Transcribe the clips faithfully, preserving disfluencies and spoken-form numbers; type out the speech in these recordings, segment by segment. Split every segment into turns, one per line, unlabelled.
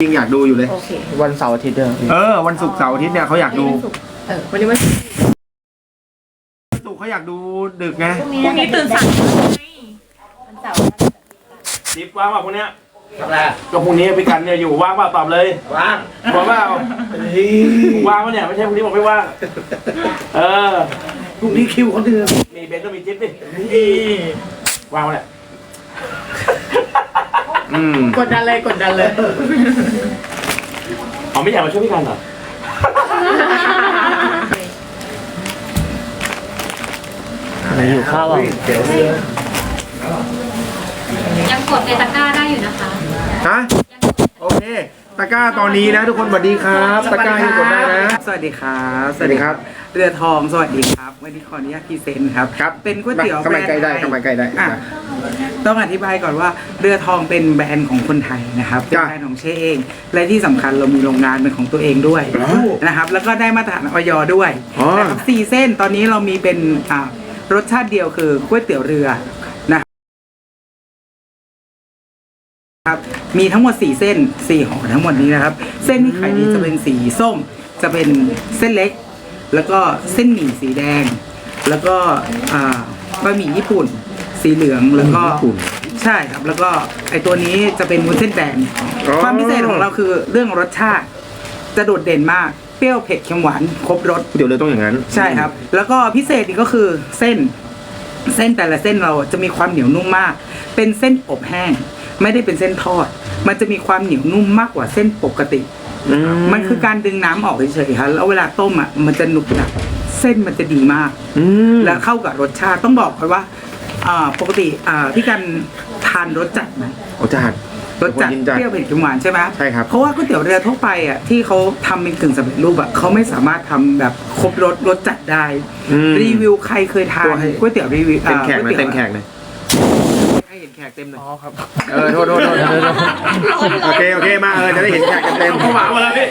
จริงอยากดูอยู่เลย
โอเค
วันเสาร์อาทิตย์เด้อ
เออวันศุกร์เสาร์อาทิตย์เนี่ยเขาอยากดู
เออวันนี้วันศุกร์
ศุกร์เขาอยากดูดึกไง
พรุ่งนี้ตื่นสายวันเสาร์
จิ๊บว่างป่ะพวกเนี้ยก็พรุ่งนี้พี่กันเนี่ยอยู่ว่างป่ะตอบเลยว่างว่างเปล่าว่างป่ะเนี่ยไม่ใช่พรุ่งนี้ผมไม่ว่างเออพรุ่งนี้คิวเขาเดือนมีเบนต้องมีจิ๊บดิว่างป่ะเนี่ย
อืม
กดดันเลยกดดันเลย
อ๋อไม่อยากมาช่วยพี่กันเหรอ
อะไรอยู่ข้าวอ่ะ
ยังกดในตะกร้าได้อยู่นะคะ
ฮะโอเคตะกร้าตอนนี้นะทุกคนสวัสดีครับตะกร้าให้กดได้นะ
สวัสดีครับ
สวัสดีครับ
เรือทองสวัสดีครับวันนี้ขออนุญาตพรีเซนต์ครับ
ครับ
เป็นก๋วยเตี๋ยวแบรนด์
ใกล้ได้ใกล้ได้
ต้องอธิบายก่อนว่าเรือทองเป็นแบรนด์ของคนไทยนะครับเป็นแบรนด์ของเชเองและที่สำคัญเรามีโรงงานเป็นของตัวเองด้วยนะครับแล้วก็ได้มาตรฐานอย.ด้วยนะครับสี่เส้นตอนนี้เรามีเป็นรสชาติเดียวคือก๋วยเตี๋ยวเรือครับมีทั้งหมดสี่เส้นสี่ห่อทั้งหมดนี้นะครับเส้นที่ขายดีจะเป็นสีส้มจะเป็นเส้นเล็กแล้วก็เส้นหมี่สีแดงแล้วก็บะหมี่ญี่ปุ่นสีเหลืองแล้วก็ใช่ครับแล้วก็ไอตัวนี้จะเป็นวุ้นเส้นแดงความพิเศษของเราคือเรื่องรสชาติจะโดดเด่นมากเปรี้ยวเผ็ดเค็มหวานครบรส
เดี๋ยวเลยต้องอย่างนั้น
ใช่ครับแล้วก็พิเศษอีกก็คือเส้นเส้นแต่ละเส้นเราจะมีความเหนียวนุ่มมากเป็นเส้นอบแห้งไม่ได้เป็นเส้นทอดมันจะมีความเหนียวนุ่มมากกว่าเส้นปกติมันคือการดึงน้ำออกเฉยๆครับแล้วเวลาต้มอ่ะมันจะหนุบหนับเส้นมันจะดีมากและเข้ากับรสชาติต้องบอกก่อนว่าปกติพี่กันทานรสจัดไหม
รสจัด
รสจัดเปรี้ยวเผ็ดเค็มหวานใช่ไหม
ใช่ครับ
เพราะว่าก๋วยเตี๋ยวเรือทั่วไปอ่ะที่เขาทำเป็นกึ่งสำเร็จรูปอ่ะเขาไม่สามารถทำแบบครบรสรสจัดได้รีวิวใครเคยทานก๋วยเตี๋ยวรีวิว
เต็มแขกเลยเต็มแขกเลย
ให้เห็นแขกเต็มเลย
อ๋อครับ
เออโทษโทษโทษโอเคโอเคมาเออจะได้เห็นแขกเต็ม
เขาหวังมาแล้วพี่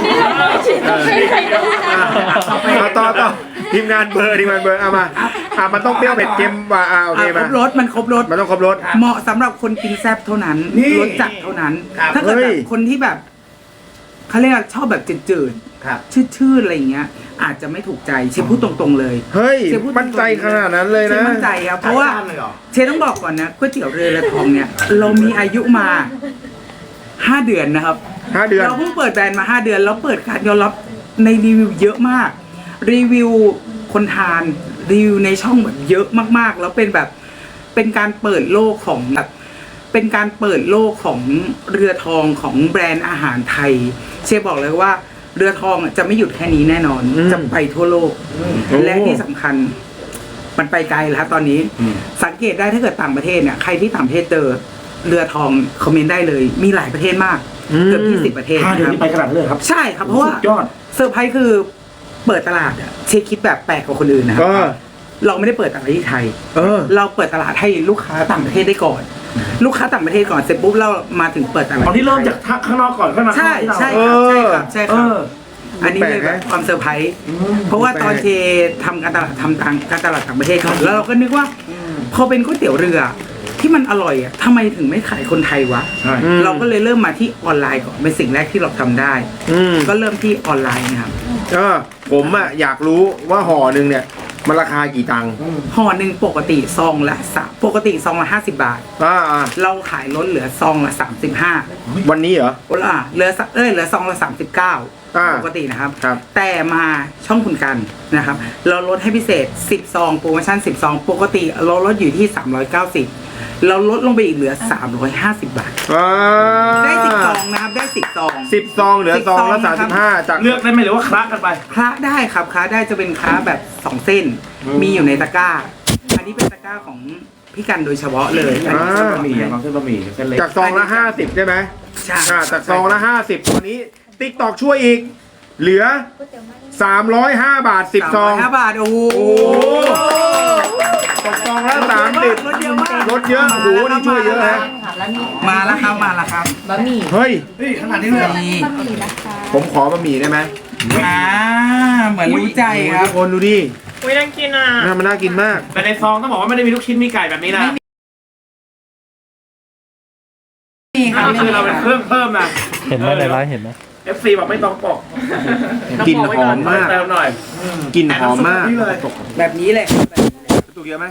ต่อต่อทีมงานเบอร์ทีมงานเบอร์เอามาอ่ะมันต้องเปรี้ยวเผ็ดเค็มว่าอ่าโอเคมา
ครบรสมันครบรส
มันต้องครบรส
เหมาะสำหรับคนกินแซ่บเท่านั้นรสจัดเท่านั้นถ้าเกิดแบบคนที่แบบเขาเรียกชอบแบบจืดๆชืดๆอะไรอย่างเงี้ยอาจจะไม่ถูกใจเชฟพูดตรงๆเลย
เฮ้ยมั่นใจขนาดนั้นเลยนะ
เชฟมั่นใจครับเพราะว่าเชฟต้องบอกก่อนนะก๋วยเตี๋ยวเรือทองเนี่ยเรามีอายุมาห้าเดือนนะครับ
ห้าเดือน
เราเพิ่งเปิดแบรนด์มาห้าเดือนแล้วเปิดการยอมรับในรีวิวเยอะมากรีวิวคนทานรีวิวในช่องแบบเยอะมากๆแล้วเป็นแบบเป็นการเปิดโลกของแบบเป็นการเปิดโลกของเรือทองของแบรนด์อาหารไทยเชฟบอกเลยว่าเรือทองจะไม่หยุดแค่นี้แน่นอนจะไปทั่วโลกและที่สำคัญมันไปไกลแล้วตอนนี้สังเกตได้ถ้าเกิดต่างประเทศเนี่ยใครที่ต่างประเทศเจอเรือทองคอมเมนต์ได้เลยมีหลายประเทศมากเกือบยี่สิบประเทศ
ห้าเดือนนี้ไปขนาดเลยครับ
ใช่ครับเพราะว่ายอดเซอร์ไพรส์คือเปิดตลาดอะเชฟคิดแบบแปลกกว่าคนอื่นนะครับเราไม่ได้เปิดตลาดที่ไทยเราเปิดตลาดให้ลูกค้าต่างประเทศได้ก่อนลูกค้าต่างประเทศก่อนเสร็จปุ๊บเรามาถึงเปิดตลาด
ตอนที่เริ่มจากข้างนอกก่อนข้างใน
ใช่ใช่ครับใช่ครับใช่ครับอันนี้เลยแบบความเซอร์ไพรส์เพราะว่าตอนเชทำการตลาดทำทางการตลาดต่างประเทศเขาแล้วเราก็นึกว่าพอเป็นก๋วยเตี๋ยวเรือที่มันอร่อยอ่ะทำไมถึงไม่ขายคนไทยวะเราก็เลยเริ่มมาที่ออนไลน์ก่อนเป็นสิ่งแรกที่เราทำได้ก็เริ่มที่ออนไลน์นะครับ
เออผมอ่ะอยากรู้ว่าห่อหนึ่งเนี่ยมันราคากี่ตังค์
ห่อหนึ่งปกติซองละสามปกติซองละห้าสิบบาท
อ่า
เราขายลดเหลือซองละสามสิบห้า
วันนี้เหรอ
อ่าเหลือเอ้ยเหลือซองละสามสิบเก้าปกตินะครับแต่มาช่องคุณกันนะครับเราลดให้พิเศษสิบซองโปรโมชั่นสิบซองปกติเราลดอยู่ที่สามร้อยเก้าสิบเราลดลงไปอีกเหลือสามร้อยห้าสิบบาทได้สิบซองนะครับได้สิบซอง
สิบซองเหลือซองละสามสิบห้าจาก
เลือกได้ไหมหรือว่าคละกันไป
คละได้ครับคละได้จะเป็นคละแบบสองเส้นมีอยู่ในตะกร้าอันนี้เป็นตะกร้าของพี่กันโดยเฉพาะเลยอันนี้เส้นบะหมี่
เส้นบะหมี่เส้นเล็ก
จากซองละห้าสิบใช่ไหมใช่จากซองละห้าสิบตอนนี้ติ๊กตอกช่วยอีกเหลือสามร้อยห้าบาทสิบซอง
ห้าบาทโอ้โห
ตกซองละสามสิบ
ลดเยอะมาก
ลดเยอะโอ้โหนี่ช่วยเยอะฮะ
มาแล้วครับมาแล้วครับ
บะหมี่
เฮ้ย
ขนาดนี้เลย
ผมขอบะหมี่ได้ไหม
อ่าเหมือนรู้ใจครับ
ทุกคนดูดิ
อุ้ยน่ากินอ่ะ
น่ามันน่ากินมาก
แต่ในซองต้องบอกว่าไม่ได้มีลูกชิ้นมีไก่แบบนี้นะ
นี่ค่ะ
อันนี้คือเราเป็นเครื่องเพิ่มนะ
เห็นไหมในไลฟ์เห็นไหม
เอฟซีบอกไม่ต้องปอก
กลิ่นหอมมาก
เติมหน่อย
กลิ่นหอมมาก
นี่เลย
แบบนี้เลย
ตุกเยอะไหม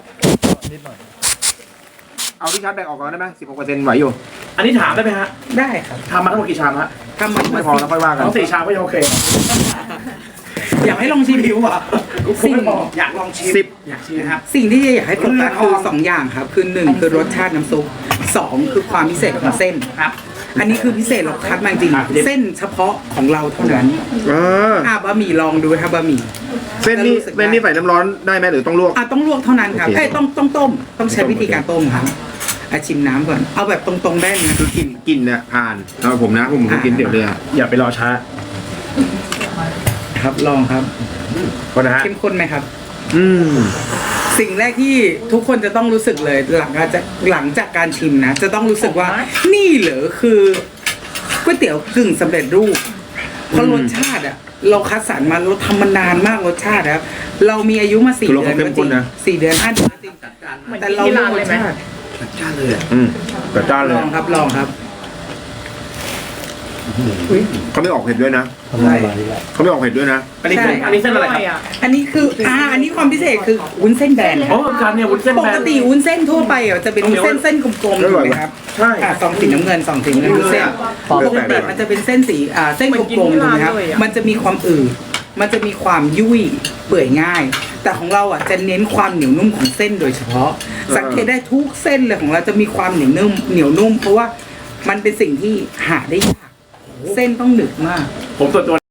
เอาที่ชาร์จแบตออกก่อนได้ไหมสิบหกเปอร์เซ็นต์ไหวอยู่
อันนี้ถามได้ไหมฮะ
ได้ครับ
ทำมาทั้งหมดกี่ชามฮะ
ทำมัน
ไม่พอแล้วค่อยว่ากัน
ทั้งสี่ชามก็ยังโอเค
อยากให้ลองชิมดูอ่ะ
สิ่งอยากลองชิม
สิบ
อยากชิมนะครับ
สิ่งที่อยากให้โฟกัสคือสองอย่างครับ คือหนึ่งคือรสชาติน้ำซุปสองคือความพิเศษของเส้น
ครับ
อันนี้คือพิเศษเราคัดมาจริง
ครับ
เส้นเฉพาะของเราเท่านั้น
อ่า
อ่ะบะหมี่ลองดูครับบะหมี่
เส้นนี้เส้นนี้ใส่น้ำร้อนได้ไหมหรือต้องลวก
อ่ะต้องลวกเท่านั้นครับ
โอเค
เอ้ยต้องต้องต้ม ต้องใช้วิธีการต้มครับอ่ะชิมน้ำก่อน เอาแบบตรงๆได้นะ
คือกลิ่นกลิ่นเนี่ยผ่านสำหรับผมนะผมผมกินเดี๋ยวเรือ
อย่าไปรอช้า
ครับลองครับ
ก่อนนะฮะ
เข้มข้นไหมครับ
อืม
สิ่งแรกที่ทุกคนจะต้องรู้สึกเลยหลังจากหลังจากการชิมนะ จะต้องรู้สึกว่านี่เหรอคือก๋วยเตี๋ยวกึ่งสำเร็จรูปเพราะรสชาติอ่ะ เราคัดสรรมาเราทำมานานมากรสชาติครับ เรามีอายุมาสี่
คือเรา
เดือน
เข้มข้นนะ
สี่เดือนห้าเดือนจริง
เหมือน
แต่
กิน
เรา
ที่
เลื
ร้า
อน กร
เลย
ส
ไหม
ชาติ
อืมแต่จ้านเล
ล
ย
องครับลองครับ
เขาไม่ออกเผ็ดด้วยนะ
ทำอะไรแหละ
เขาไม่ออกเผ็ดด้วยนะ
อันนี้เส้น
ใช่
อันนี้เส้นอะไรครับ
อ่ะ
อันนี้คืออ่าอันนี้ความพิเศษคือวุ้นเส้นแบน
โอ้การเนี่ยวุ้นเส้น
ป
แบ
ก
น
ติวุ้นเส้นทั่วไปอ่ะจะเป็นวุ้นเส้นเส้นกลมๆ
อ
ถู
ร่
ก
อย
ไหม
ว่ะ
ครับ
ใช่
อ่าสองสีน้ำเงินสองสีน้ำเงินวุ้นเส้น
ปอก
ปกติมันจะเป็นเส้นสีอ่าเส้นกลมๆถูกไหมครับมันจะมีความอืดมันจะมีความยุ่ยเปื่อยง่าย แต่ของเราอ่ะจะเน้นความเหนียวนุ่มของเส้นโดยเฉพาะ สังเกตได้ทุกเส้นเลยของเราจะมีความเหนียวนุ่มเหนียวนุ่ม เพราะว่ามันเป็นสิ่งที่หาได้ยากเส้นต้องหนึบมาก
ผมส่วนตัว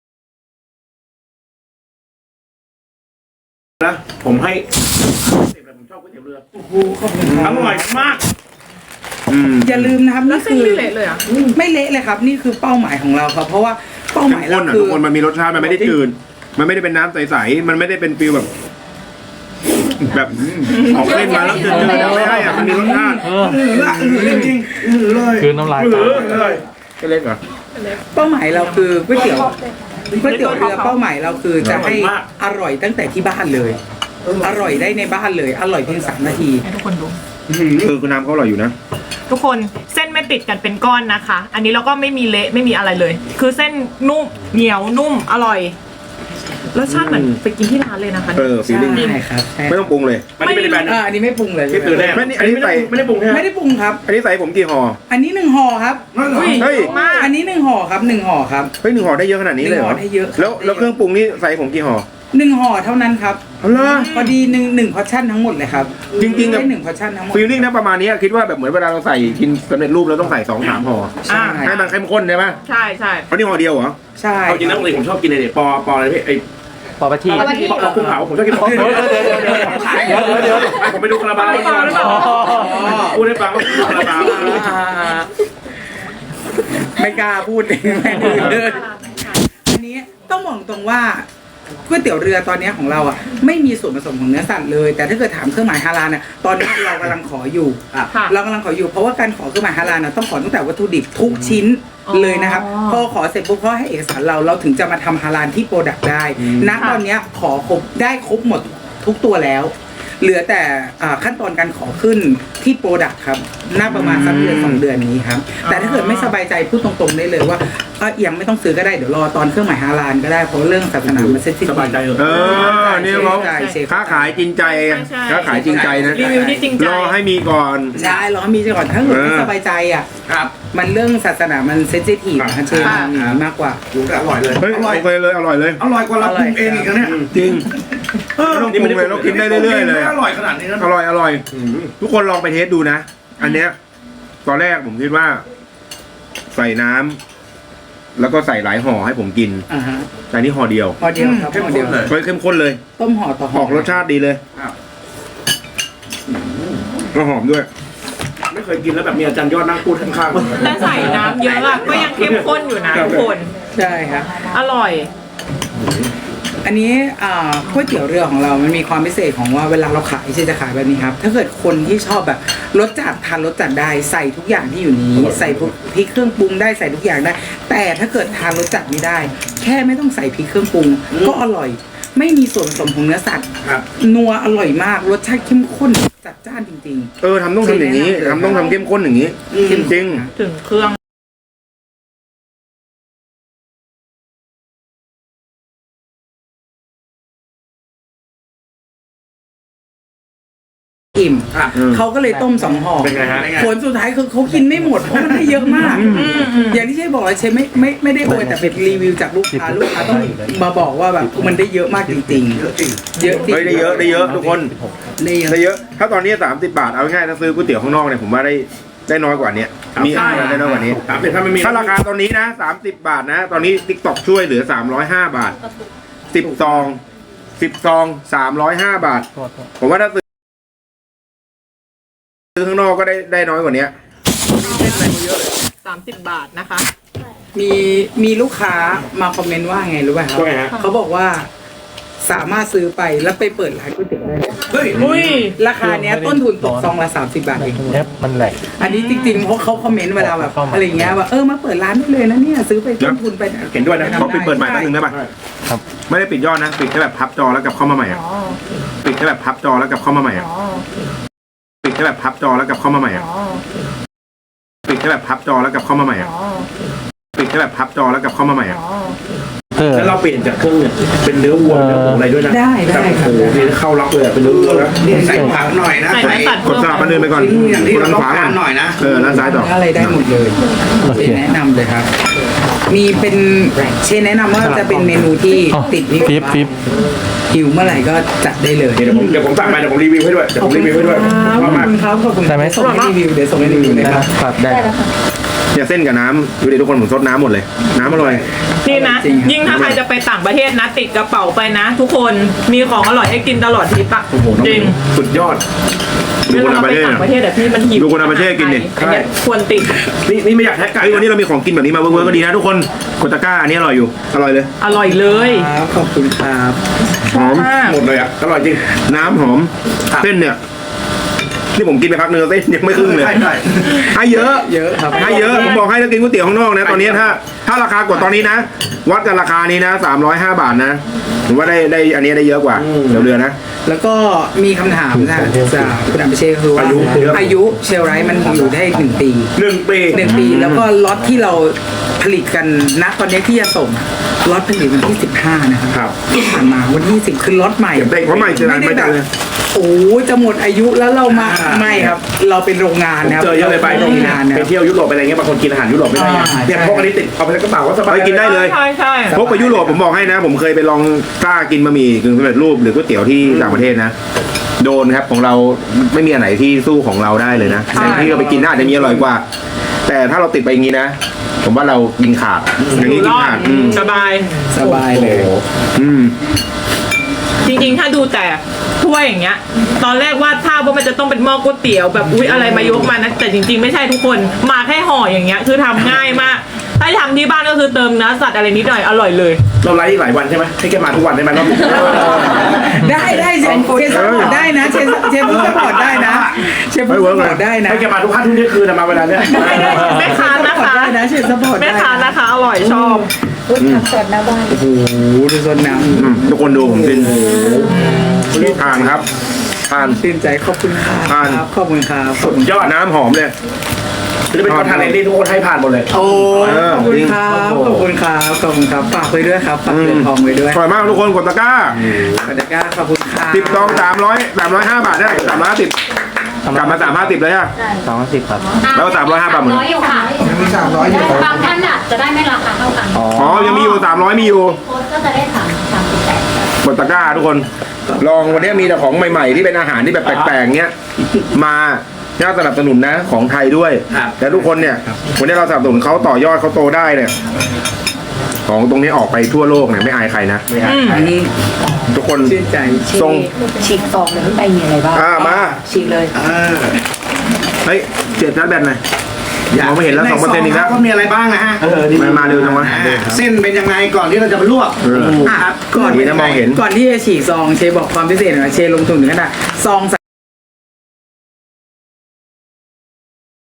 นะผมให้สิบเลยผมชอบก๋วยเตี๋ยวเรือ
โอ้โหขอบคุณค
อ
รับ
ร่อยมาก
อืม
อย่าลืมนะครับ
แล้ว
นี่
เส้น
คือ
ไม่เละเลยอ่ะ
ไม่เละเลยครับ นี่คือเป้าหมายของเราครับ เพราะว่าเป้าห
เข้
มาม ย
ข้
เรา
นอ่ะ
คื
ทุ
อก
คนมันมีรสชาติมันไม่ได้จืดมันไม่ได้เป็นน้ำใสๆมันไม่ได้เป็นฟิลแบบ แบบออกเล่นมาแล้วจืดๆนะไม่ให้อ่ะมันมีรสชาติ
เออ
อือละอือจริงๆอือเลย
คือน้ำลาย
อื
ตา
อเลย
เล็กเหรอ
เป้าหมายเราคือก๋วยเตี๋ยวก๋วยเตี๋ยวเรือเป้าหมายเราคือจะให้อร่อยตั้งแต่ที่บ้านเลย อร่อยได้ในบ้านเลย อร่อยเพียงสามนาที
ให้ทุกคนดู
เออคือน้ำเขาอร่อยอยู่นะ
ทุกคนเส้นไม่ติดกันเป็นก้อนนะคะ อันนี้เราก็ไม่มีเละไม่มีอะไรเลย คือเส้นนุ่มเหนียวนุ่มอร่อยรสชาติเหมือนไปกินที่ร้านเลยนะคะ
เออฟีลลิ่ง
ใช่ครับใช่
ไม่ต้องปรุงเลย
มันนี่เป็นแบรนด์
อ่าอันนี้ไม่ปรุงเลย
ที่ตื่นแน่
ไม่นี่อันนี้ใส่
ไม่ได้ปรุงใช่ไหม
ไม่ได้ปรุงครับ
อันนี้ใส่ผมกี่ห่อ
อันนี้หนึ่งห่อครับ
อุ้ย
เฮ้ย
มาก
อันนี้หนึ่งห่อครับหนึ่งห่อครับ
เฮ้ยหนึ่งห่อได้เยอะขนาดนี้เลยเหรอ
หนึ่งห่อได้เยอะ
แล้วแล้วเครื่องปรุงนี่ใส่ผมกี่ห่อ
หนึ่งห่อเท่านั้นครับ
เอาล่ะ
พอดีหนึ่งหนึ่งพอชั่นทั้งหมดเลยครับ
จริงๆอะ
ได้หนึ่งพอชั่นทั้งหมด
ฟีลลิ่งนะประมาณนี้คิดว่าแบบเหมือนเวลาเราใส่กินสำเร็จรูปเราต้องใส่สองสามห่อ
อ่า
ให้มันเข้มข้นใช่ไหม
ใช่ใช่
เพราะนี่ห่อเดียวเหรอ
ใช่
เอาจริงนะปกติผมชอบกินเนี่ยปอปออะไรพี่ไอ้
ปอปะที
ปอปอกุ้งเผาผมชอบกินปอ
เดี๋ยวเดี๋ยวเดี๋ยวเดี๋ยวเดี๋ยวเดี๋ยว
ผมไปดูคาราบาวพูดให้ฟังว่าคาราบาว
ไม่กล้าพูดเองแม่ดื้อเลยอันนี้ต้องบอกตรงว่าก๋วยเตี๋ยวเรือตอนนี้ของเราอ่ะไม่มีส่วนผสมของเนื้อสัตว์เลย แต่ถ้าเกิดถามเครื่องหมายฮาลาลเนี่ยตอนนี้เรากำลังขออยู่
ค่ะ
เรากำลังขออยู่เพราะว่าการขอเครื่องหมายฮาลาลน่ะต้องขอตั้งแต่วัตถุดิบทุกชิ้น
อ๋อ
เลยนะครับพอขอเสร็จปุ๊บเขาให้เอกสารเราเราถึงจะมาทำฮาลาลที่โปรดักต์ได้ณตอนเนี้ยขอครบได้ครบหมดทุกตัวแล้ว เหลือแต่อ่าขั้นตอนการขอขึ้นที่โปรดักต์ครับน่าประมาณสักเดือนสองเดือนนี้ครับแต่ถ้าเกิดไม่สบายใจพูดตรงๆได้เลยว่าเอ่อยังไม่ต้องซื้อก็ได้เดี๋ยวรอตอนเครื่องหมายฮาลาลก็ได้เพราะเรื่องศาสนามันเซ็ตที่
สบายใจเหรอ
เออนี่เขา
ใช่ใช่
ค้าขายจริงใจ
ใช่
ค้าขายจริงใจนะ
รีวิวที่จริงใจ
รอให้มีก่อน
ใช่รอให้มีก่อนถ้าเกิดไม่
เออ
สบายใจอ่ะ
ครับ
มันเรื่องศาสนามันเซนซิทีฟนะเชิญมันอย่างนี้มากกว่า
ดูก็อร่อยเลย
เฮ้ยโอเคเลยอร่อยเลย
อร่อยกว่าเราปรุงเองอีกนะเนี่ย
จริงไม่ต้องปรุงเลยเรากินได้เรื่อยๆเลย
อร่อยขนาดนี้นะ
อร่อยอร่อยทุกคนลองไปเทสดูนะ อันเนี้ยตอนแรกผมคิดว่า ใส่น้ำแล้วก็ใส่หลายห่อให้ผมกิน
อ่าฮะ
แต่นี่ห่อเดียว
พอเดียวครับพอเดียว
เฮ้ยเข้มข้นเลย
ต้มห่อต่อ
อ
ห่อ
อกรสชาติดีเลยก็หอมด้วย
ไม่เคยกินแล้วแบบมีอาจารย์ยอดนั่งพูดข้างๆ
แต่ใส่น้ำเยอะอะก็ยังเข้มข้นอยู่นะทุกคน
ใช่ครับ
อร่อย
อันนี้อ่าก๋วยเตี๋ยวเรือของเรา มันมีความพิเศษของว่าเวลาเราขายจะขายแบบนี้ครับ ถ้าเกิดคนที่ชอบแบบรสจัดทานรสจัดได้ใส่ทุกอย่างที่อยู่นี้ ใส่พวกพริกเครื่องปรุงได้ใส่ทุกอย่างได้ แต่ถ้าเกิดทานรสจัดไม่ได้ แค่ไม่ต้องใส่พริกเครื่องปรุงก็อร่อยไม่มีส่วนผสมของเนื้อสัตว์
ครับ
นัวอร่อยมากรสชาติเข้มข้นจัดจ้านจริง
เออทำต้องทำอย่างนี้ทำต้องทำเข้มข้นอย่างนี้
ๆ
จริง
ถึงเครื่อง
อิ่ม
ๆอืม
เขาก็เลยต้มสองห่อ
เป็นไงฮะ
ผลสุดท้ายคือเขากินไม่หมดเพราะมันได้เยอะมาก อย่างที่เชฟบอกเลยเชฟไม่ไม่ไม่ได้โวยแต่เป็นรีวิวจากลูกค้าลูกค้าต้องมาบอกว่าแบบมันได้เยอะมากจริงๆ เยอะจริงเยอะจริง
เฮ้ยได้เยอะได้เยอะทุกคน
ได้เยอะ
ได้เยอะ ถ้าตอนนี้สามสิบบาทเอาง่ายๆถ้าซื้อก๋วยเตี๋ยวข้างนอกเนี่ยผมว่าได้ได้น้อยกว่านี้มีอะไรได้น้อยกว่านี้
สามสิบถ้าไม่มี
ถ้าราคาตอนนี้นะสามสิบบาทนะ ตอนนี้ติ๊กต็อกช่วยเหลือสามร้อยห้าบาทสิบซองสิบซองสามร้อยห้าบาท ผมว่าถ้าซื้อซื้อข้างนอกก็ได้ได้น้อยกว่านี้
สามสิบบาทนะคะ
มีมีลูกค้ามาคอมเมนต์ว่าไงรู้ป่ะครับ
ว่าไงฮะ
เขาบอกว่าสามารถซื้อไปแล้วไปเปิดร้านก๋วยเตี๋ยวได้เลย
เฮ้ย
อุ้ย
ราคาเนี้ยต้นทุนตกซองละสามสิบบาทเอง
เนี้ยมันแหลก
อันนี้จริงๆเพราะเขาคอมเมนต์เวลาแบบอะไรเงี้ยว่าเออมาเปิดร้านได้เลยนะเนี่ยซื้อไปต้นทุนไป
เห็นด้วยนะเขาปิดเปิดใหม่แป๊บนึงได้ป่ะ
ครับ
ไม่ได้ปิดยอดนะ ปิดแค่แบบพับจอแล้วกลับเข้ามาใหม่อะปิดแค่แบบพับจอแล้วกลับเข้ามาใหม่อะปิดแค่แบบพับจอแล้วกลับเข้ามาใหม่อะปิดแค่แบบพับจอแล้วกลับเข้ามาใหม่อะปิดแค่แบบพับจอแล้วกลับเข้ามาใหม่อะ
เออ
แล้วเราเปลี่ยนจากเครื่องเนี่ยเป็นเนื้อวัวเนื้อหมูอะไรด้วยนะ
ได้ได้
โอ้
ค
โห
รับ
นี่เข้าล็อกเลยอะเป็นเนื้อวัวแล้ว
ใส่ผักหน่อยนะ
ใส่เนื้อสัตว์
กดสลับมันเดินไปก่อน
อย่างที่
กด
เรา
ทาง
ต้อ
ข
ง
วาก่
กา
อน
รหน่อยนะ
เออด้านซ้ายต่อ
อะไรได้หมดเลยเชนแนะนำเลยครับ มีเป็นเชนแนะนำว่าจะเป็นเมนูที่
อ๋อ
ติดนี่
ฟิปฟิป
หิวเมื่อไหร่ก็จัดได้เลย
เดี๋ยวผมเดี๋ยวผมสั่งมาเดี๋ยวผมรีวิวให้ด้วยเดี๋ยวผมรีวิวให้ด้วย
ข
ช
อ
อ
บบ
มาก
คุณครับขอบคุณ
ได้ไหม
ส่งให้รีวิวเดี๋ยวส่งให้รีวิวเลย
ได้
ครับ
ครับได้ครับ
เนี่ยเส้นกับน้ำดูดิทุกคนผมซดน้ำหมดเลย น้ำอร่อย
นี่นะ ยิ่งถ้าใครจะไปต่างประเทศนะ ติดกระเป๋าไปนะ ทุกคนมีของอร่อยให้กินตลอดทริปอะ
โอ้โหน้อง
จริง
สุดยอด ดู
เว
คน
ลา
ต่าง
เรา
ประ
ไป
เทศ
ต่างประเทศแต่พี่มันหิว
ดูคนต่างประเทศกินดิ
อันเนี้ยควรติด
นี่นี่ไม่อยากแท็กไก่
ไอ้ยวันนี้เรามีของกินแบบนี้มาเวิร์กๆก็ดีนะทุกคนกดตะกร้าอันนี้อร่อยอยู่ อร่อยเลย
อร่อยเลย
ครับขอบคุณครับ
หอม
มาก
หมดเลยอ่ะอร่อยจริง
น้ำหอม เส้นเนี่ยนี่ผมกินไปพักเนื้อเส้นยังไม่ครึ่งเลย
ใช่ใช่
ให้เยอะ
เยอะครับ
ให้เยอะ ผมบอกให้ถ้ากินก๋วยเตี๋ยวข้างนอกนะ ตอนนี้ถ้า ถ้าราคากดตอนนี้นะ วัดกันราคานี้นะสามร้อยห้าบาทนะผมว่าได้ได้อันนี้ได้เยอะกว่าเดี๋ยวเรือนะ
แล้วก็มีคำถามนะจากคุณอัมเชษคือว่าอายุเชลไรท์มันอยู่ได้หนึ่งปี
หนึ่งปี
หนึ่งปี แล้วก็ล็อตที่เราผลิตกันณตอนนี้ที่จะส่งล็อตผลิตวันที่สิบห้านะครับ
ครับ
ที่ผ่านมาวันที่สิบคือล็อตใหม่
เด็กเพราะใหม่จะนาน
ไม่
ไม่
ได้
จั
แบ
ง
บ
เลย
โอ้จะหมดอายุแล้วเรามาไม่ครับ เราเป็นโรงงานนะครับ
เจอเยอะเลยไป
โรงงานนะ
ไป
ครับ
เที่ยวยุโรปไปอะไรเงี้ยบางคนกินอาหารยุโรปไม่ได้ไง
อ่า
เนี่ย
ใช่
พวกอันนี้ติดเอาไปในกระเป๋าก็สบาย
ไปกินได้เลย
ใช่ใช่
พกไปยุโรปผมบอกให้นะ ผมเคยไปลองกล้ากินบะหมี่กึ่งสำเร็จรูปหรือก๋วยเตี๋ยวที่ต่างประเทศนะ โดนครับของเราไม่มีอันไหนที่สู้ของเราได้เลยนะแต่ที่เราไปกินน่าจะมีอร่อยกว่า แต่ถ้าเราติดไปอย่างนี้นะ ผมว่าเรากินขาดอย่างนี้
ร
กิน
อด
ขาดอืม
สบาย
สบายเลย
อืม
จริงๆ ถ้าดูแต่ถ้วยอย่างเงี้ย ตอนแรกวาดภาพว่ามันจะต้องเป็นหม้อก๋วยเตี๋ยวแบบอุ๊ยอะไรมายกมานะ แต่จริงๆ ไม่ใช่ทุกคน มาแค่ห่ออย่างเงี้ย คือทำง่ายมาก ถ้าทำที่บ้านก็คือเติมเนื้อสัตว์อะไรนิดหน่อยอร่อยเลย
เราไลฟ์หลายวันใช่ไหมให้แกมาทุกวันได้ไหมรอบนี้
ได้ได้เชฟเชฟสปอร์ตได้นะเชฟเชฟสปอร์ตได้นะเชฟสปอร์ตได้นะ
ให้แกมาทุกค่าทุกเที่ยงคืนนะมาเวลาเนี้ย
ได้ได้แม่ค้านะคะ
ได้นะเชฟสปอร์ต
แม่
ได้
ค้านะคะ อร่อยชอบ
โอ้โหดูโซนน้
อืมทุกคนดูผมกินทานครับทาน
ำตื่นใจขอบคุณครับ
ผ่าน
ขอบคุณครับ
สุดยอดนะ
น้ำหอมเลย
จะเป็นคอนเทนต์ที่ทุกคนให้ผ่านหมดเลย
โอ้
เออ
ขอบคุณครับขอบคุณครับขอบคุณครับฝากไว้ด้วยครับฝากเรือนทองไว้ด้วย
อร่อยมากทุกคนกดตะกร้า
ขอบคุณครับขอบคุณครับ
สิบซองสามร้อยสามร้อยห้าบาทได้สามร้อยห้าสิบกลับมาสามห้าสิบเลยฮะ
สองร้อยสิบครับ
แล้วสามร้อยห้าบาทเหมือนกัน
ร้อยอยู่ค่ะ
มีสามร้อยอยู่
บางท่านอาจจะได้ไม่ราคาเท่ากัน
อ๋อ
อ๋อ ยังมีอยู่สามร้อยมีอยู่
โค้ดก็จะได้สามสามสิบแปด
กดตะกร้าทุกคน ลองวันนี้มีแต่ของใหม่ ๆ ที่เป็นอาหารที่แบบแปลกๆเนี้ย มาน่าสนับสนุนนะของไทยด้วย
ครับ
แต่ทุกคนเนี่ย วันนี้เราสนับสนุนเขาต่อยอดเขาโตได้เนี่ย ของตรงนี้ออกไปทั่วโลกเนี่ยไม่อายใครนะ
อันนี้
ทุกคน
ชื่นใจ
ทรง
ฉีกซองเลยข้างในมีอะไรบ้าง
อ่ามา
ฉีกเลย
เฮ้ยเจ็ดนัดแบตหน่อยมองไม่เห็นแล้วสองเปอร์เซ็นต์อีกแล้ว
ก็มีอะไรบ้างนะฮะ
เออนี่
มามาเร็วจังวะ
อ่าเส้นเป็นยังไงก่อนที่เราจะไปลวก
เออ
อ่ะก่อน
ดีนะมองเห็น
ก่อนที่จะฉีกซองเชฟบอกความพิเศษหน่อยเชฟลงทุนถึงขนาดซองใส่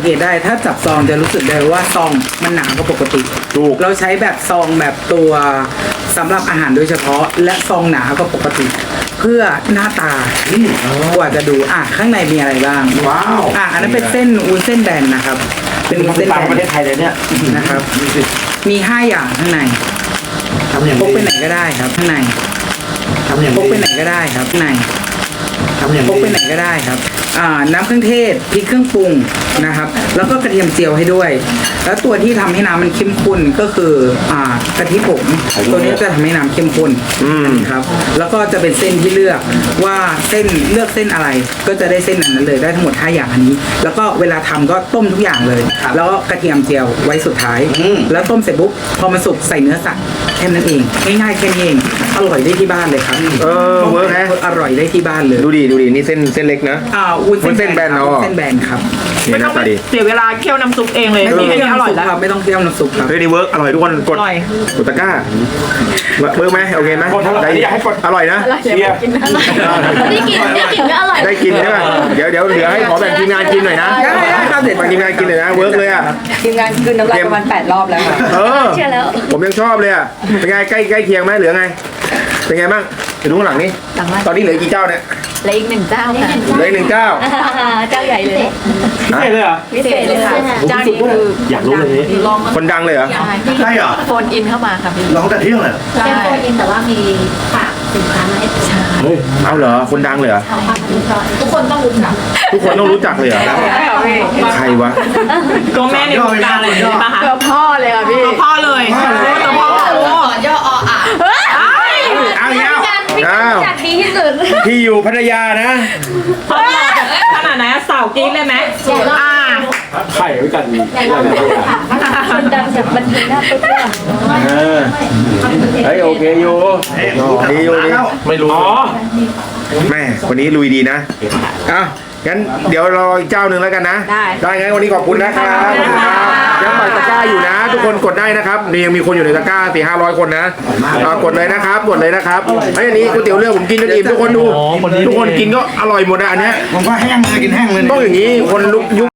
เกตได้ถ้าจับซองจะรู้สึกได้ว่าซองมันหนากว่าปกติ
ถูก
เราใช้แบบซองแบบตัวสำหรับอาหารโดยเฉพาะ และซองหนากว่าปกติ เพื่อหน้าตากว่าจะดูอ่ะข้างในมีอะไรบ้าง
ว้าว
อ่ะอันนั้นเป็นเส้นวุ้นเส้นแบนนะครับ เป็นวุ้น
เส้
เส้
น
น
ต่าง
แบ
ประเท
น
ศไทยเลยเนี่ย
นะครับ มีห้าอย่างข้างใน
ทำอย่าง
พก
ดี
ไปไหนก็ได้ครับข้างใน
ทำอย่าง
พก
ดี
ไปไหนก็ได้ครับข้างใน
ทำอย่าง
พก
ดี
ไปไหนก็ได้ครับ อ่า น้ำเครื่องเทศ พริกเครื่องปรุงนะครับ แล้วก็กระเทียมเจียวให้ด้วย แล้วตัวที่ทำให้น้ำมันเข้มข้นก็คือ อ่ากะทิผง ตัวนี้จะทำให้น้ำเข้มข้น
อืม
ครับ แล้วก็จะเป็นเส้นที่เลือกว่าเส้นเลือกเส้นอะไร ก็จะได้เส้นนั้นเลยได้ทั้งหมดห้าอย่างอันนี้ แล้วก็เวลาทำก็ต้มทุกอย่างเลย แล้วก็กระเทียมเจียวไว้สุดท้าย แล้วต้มเสร็จปุ๊บ พอมันสุกใส่เนื้อสัตว์แค่นั้นเอง ง่ายๆแค่นี้เอง อร่อยได้ที่บ้านเลยครับ
เออเวิร์กแฮะ
อร่อยได้ที่บ้านเลย
ดูดิดูดินี่เส้นเส้นเล็กนะ
อ่าวุ้น
วุ้นเส้
เส้
น
น
แบ
แบ
น
น
เนอะ
วุ้นเส้นแบนครับ
นี่
ไม่
ห
ต้
น้า
อง
ตา
ไป
ดี
เสียเวลาเคี่ยวน้ำซุปเองเลย
ไม่ต้อง
มีแค่
เคี่ยว
นี้อร่อย
น้ำซุป
แล้ว
ครับไม่ต้องเคี่ยวน้ำซุปครับ
เฮ้ยนี่เวิร์กอร่อยทุกคนกด
อร่อย
กดตะกร้าเวิร์กไหมโอเคไหม
กดเท่าไหร่อยากให้กด
อร่อยนะ
เชียร์
ได้กินได้กินก็อร่อย
ได้กินใช่ไหมเดี๋ยวเดี๋ยวเหลือให้ขอแบ่งทีมงานกินหน่อยนะ
ได้ได้ครับเด็ด
แบ่งทีมงานกินหน่อยนะเวิร์กเลยอ่ะ
ทีมงานคืนน้ำลายประมาณแปดรอบแล้วค่ะ
เออ
เชื่อแล้ว
ผมยังชอบเลยอ่ะเป็นไงใกล้ใกล้เคียงไหมเหลือไงเป็นไงบ้างไปดูข้างหลังนี่
หลังบ้าน
ตอนนี้เหลือกี่เจ้าเนี่ย
และอีกหนึ่งเจ้าค่ะ
เหลืออีกหนึ่งเจ้า
เจ้าใหญ่เลย
พิเศษเลยเหรอ
พิเศษเลยค่ะ เจ้านี้คือ
อยากรู้เลยนี่
ลอง
คนดังเลยเหรอ
ใช่เหรอ
โฟนอินเข้ามาค่ะพี่
ร้องแต่เที่ยงเลย
แค่โฟนอินแต่ว่ามีฝากสินค้ามาให้
เฮ้ย
เอาเหรอคนดังเลยเหรอ
เอาความรู้ก่อนทุกคนต้องรู้จัก
ทุกคนต้องรู้จักเลยเหรอ
ใช่ค่ะพี่
ใครวะ
ตัวแม่ในวงการเลยใช่ปะคะ
ตัวพ่อเลยค่ะพี่
ตัวพ่อเลยตัวพ่อโอ้
ย่อออ่ะ
เอาอีกแล้ว
พี่
อ้าว
จัดดีที่สุด
พี่อยู่พัทยานะ
เขาหล่อแบบขนาดไหนอะสาวกรี๊ดเลยไหมอ่า
ไข่ไว้กัน
ใหญ่เราคนดังจากบันเทิงหน้าตุ๊กตา
เออเฮ้ยโอเคอยู่ดีอยู่ดี
ไม่รู้ อ๋อ
แม่วันนี้ลุยดีนะอ้าวงั้นเดี๋ยวรออีกเจ้าหนึ่งแล้วกันนะ
ได้
ได้งั้นวันนี้ขอบคุณนะครับขอบคุณครับยังปักตะกร้าอยู่นะ ทุกคนกดได้นะครับนี่ยังมีคนอยู่ในตะกร้าสี่ห้าร้อยคนนะอ่ากดเลยนะครับกดเลยนะครับไอ้ยอันนี้ก๋วยเตี๋ยวเรือผมกินจนอิ่มทุกคนดูทุกคนกินก็อร่อยหมดนะอันเนี้ย
ผมก็แห้งเลยกินแห้งเลย
ต้องอย่างนี้คนลุกยุค